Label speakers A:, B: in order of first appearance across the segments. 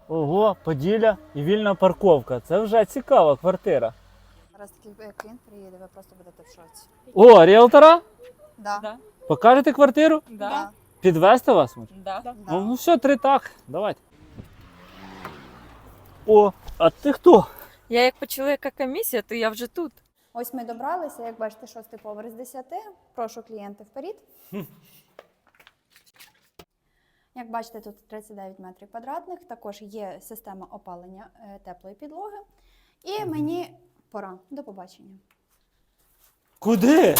A: Ого, Поділля і вільна парковка. Це вже цікава квартира.
B: Зараз такий клієнт приїде, ви просто будете в шоці.
A: О, ріелтора?
B: Да.
C: Да.
A: Покажете квартиру?
C: Да.
A: Підвезти вас? Може?
C: Да.
B: Да.
A: Ну все, 3 так. Давайте. О, а ти хто?
C: Я як почула, яка комісія, то я вже тут.
B: Ось ми добралися, як бачите, 6-й поверх з 10. Прошу клієнти вперед. Як бачите, тут 39 метрів квадратних, також є система опалення теплої підлоги. І мені пора. До побачення.
A: Куди?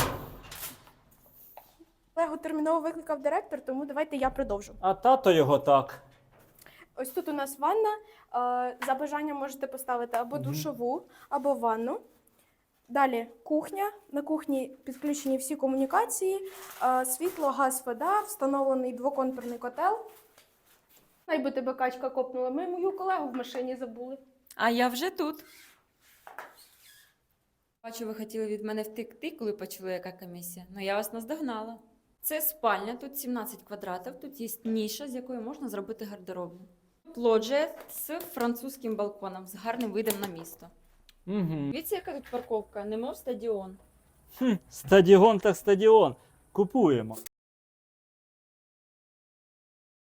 D: Його терміново викликав директор, тому давайте я продовжу.
A: А тато його так.
D: Ось тут у нас ванна. За бажанням можете поставити або душову, або ванну. Далі кухня. На кухні підключені всі комунікації, світло, газ, вода, встановлений двоконтурний котел. Найби тебе качка копнула. Ми мою колегу в машині забули.
C: А я вже тут. Бачу, ви хотіли від мене втекти, коли почули, яка комісія. Ну, я вас наздогнала. Це спальня, тут 17 квадратів, тут є ніша, з якої можна зробити гардеробну. Лоджія з французьким балконом, з гарним видом на місто.
A: Угу.
C: Дивіться, яка тут парковка, немов стадіон.
A: Стадіон так стадіон. Купуємо.